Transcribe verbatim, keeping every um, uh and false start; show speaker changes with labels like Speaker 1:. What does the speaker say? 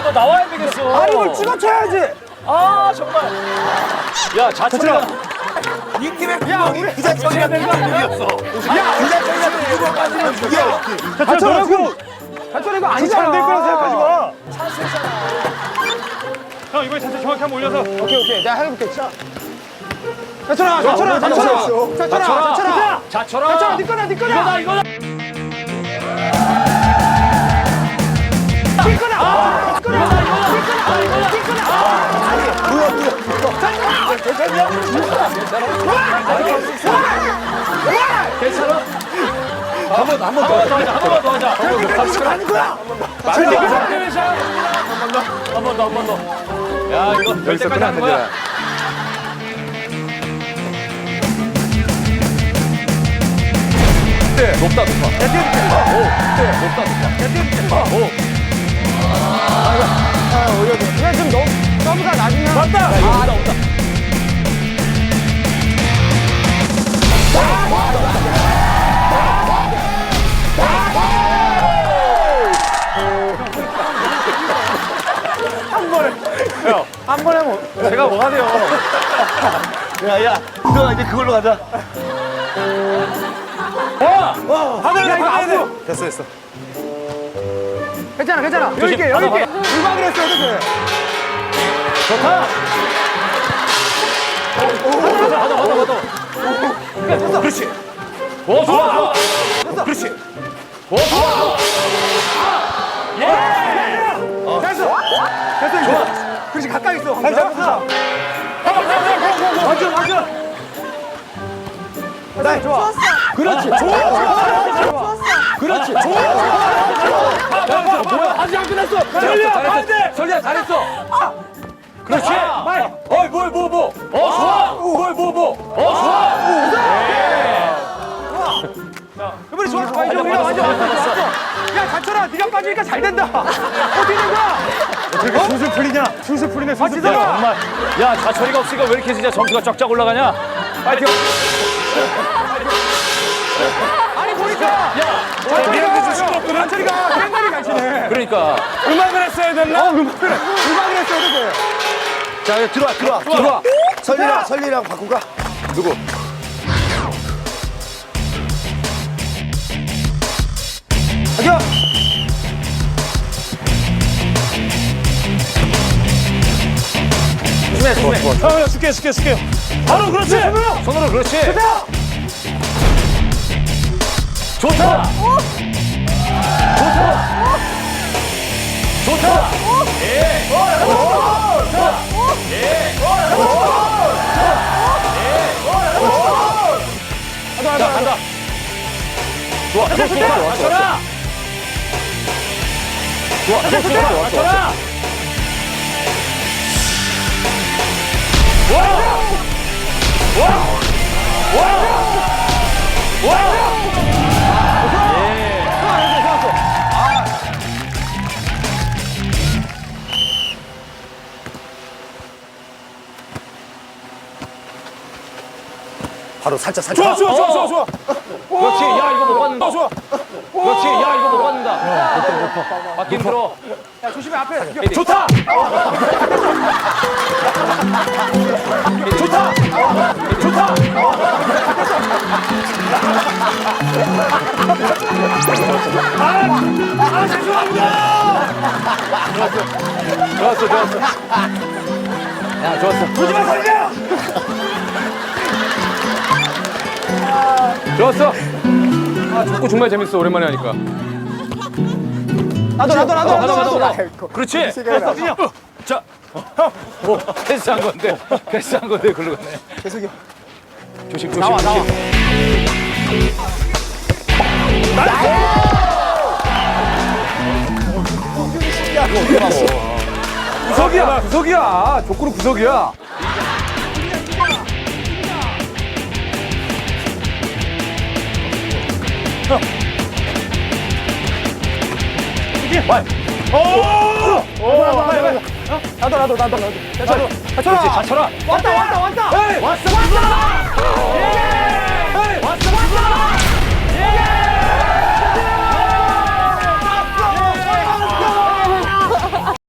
Speaker 1: 너 나와야 되겠어.
Speaker 2: 아, 이걸 찍어쳐야지.
Speaker 1: 아, 정말. 야, 자철아.
Speaker 3: 이 팀의 구멍이 그 자체가 된 거 아니었어.
Speaker 2: 야,
Speaker 3: 그 자체가 구멍 빠지면 이겨.
Speaker 2: 자철아, 이거. 자철아, 이거 아니잖아. 안될 거라 생각하지 마.
Speaker 4: 형 이번에 자세 정확히 한번 올려서.
Speaker 2: 오케이, 오케이. 내가 해볼게. 자. 자철아, 자철아, 자철아. 자철아, 자철아.
Speaker 1: 자철아.
Speaker 2: 자철아, 네 거다, 네 거다.
Speaker 1: 이거다, 이거다.
Speaker 2: 네 거다. 아, 네 거다.
Speaker 3: 뭐야 뭐야.
Speaker 1: 괜찮아?
Speaker 3: 한번 한 번 더.
Speaker 1: 한 번만 더 하자. 한 번만 더 하자.
Speaker 3: 하는 거야.
Speaker 1: 한 번 더, 한 번 더. 야, 이거 될 때까지 하는 거야. 높다, 높아. 야, 뛰어줄게. 오, 높다, 높아. 야, 뛰어줄게. 오.
Speaker 2: 아, 올려줘. 그냥 좀 너무, 서브가 낮으면.
Speaker 1: 맞다! 야, 이거 온다, 온다.
Speaker 2: 한 번에. 야, 한 번에 뭐. 제가 뭐가 돼요?
Speaker 3: 야야. 너 이제 그걸로 가자.
Speaker 1: 와!
Speaker 2: 하늘, 야, 이거 앞으로.
Speaker 3: 됐어 됐어.
Speaker 2: 괜찮아, 괜찮아. 여기 있게, 여기 있게. 음악을 했어, 어떡해.
Speaker 1: 좋다! 가자, 가자, 가자, 가자.
Speaker 3: 그렇지.
Speaker 1: 오, 좋아, 좋아.
Speaker 3: 그렇지.
Speaker 1: 오, 좋아, 좋아.
Speaker 2: 됐어. 됐어, 이제. 그렇지, 가까이 있어. 잘 잡았어. 맞아, 맞아. 나 좋아. 그렇지. 좋아. 좋아. 그렇지. 좋아.
Speaker 1: 뭐야? 아직 안 끝났어. 설리야, 반대. 설리야, 잘했어. 그렇지. 어이, 뭘, 뭐, 뭐. 어, 좋아. 뭘, 뭐, 뭐. 어, 좋아.
Speaker 2: 이번에 좋았어. 많이 좋아. 완전 완전 좋았어. 야, 자철아, 네가 빠지니까 잘 된다. 어떻게 된 거야?
Speaker 4: 어떻게 술술 풀리냐? 술술 풀리네.
Speaker 2: 아,
Speaker 4: 술술
Speaker 2: 진짜?
Speaker 4: 풀려.
Speaker 1: 정말. 야, 자철이가 없으니까 왜 이렇게 진짜 점수가 쫙쫙 올라가냐? 파이팅.
Speaker 2: 아니, 보니까.
Speaker 1: 야,
Speaker 2: 자철이가 시끄럽거든. 자철이가 땡가리 간치네.
Speaker 1: 그러니까.
Speaker 2: 음악을 했어야 됐나? 어, 음악을. 음악을 했어야 돼.
Speaker 3: 자 이제 들어와 들어와 들어와. 설리랑 설리랑 바꾸가. 누구?
Speaker 2: 가자.
Speaker 1: 조심해, 조심해.
Speaker 4: 형, 형, 줄게, 줄게, 줄게. 바로 그렇지.
Speaker 1: 손으로 그렇지.
Speaker 2: 가자.
Speaker 1: 좋다. 좋다. 좋다. 예. 좋다. 예. 자, 간다. 좋아, 좋아, 좋아, 좋아, 좋아. 좋아, 좋아, 좋아, 좋아. 와! 와! 와! 와!
Speaker 3: 바로 살짝 살짝.
Speaker 2: 좋아, 좋아, 좋아, 좋아, 좋아.
Speaker 1: 그렇지. 야, 이거 못 받는다.
Speaker 2: 좋아.
Speaker 1: 그렇지. 야, 이거 못 받는다. 바뀐 들어.
Speaker 2: 야, 조심해, 앞에.
Speaker 1: 좋다. 좋다. 좋다.
Speaker 2: 아, 죄송합니다.
Speaker 1: 좋았어, 좋았어. 야, 좋았어.
Speaker 2: 오지마, 살려.
Speaker 1: 좋았어. 아, 축구 정말 재밌어. 오랜만에 하니까.
Speaker 2: 나도, 나도, 나도,
Speaker 1: 어,
Speaker 2: 나도,
Speaker 1: 나도,
Speaker 2: 나도.
Speaker 1: 나도. 그렇지. 됐어. 자. 뭐, 패스한 건데. 패스한 건데, 글로 가네.
Speaker 2: 계속이요.
Speaker 1: 조심, 조심,
Speaker 2: 나와, 나와.
Speaker 1: 조심.
Speaker 4: 구석이야, 구석이야. 족구는 구석이야.
Speaker 2: 나도, 나도, 나도, 나도.
Speaker 1: 그렇지, 자철아.
Speaker 2: 왔다, 왔다, 왔다.
Speaker 1: 왔어, 왔어.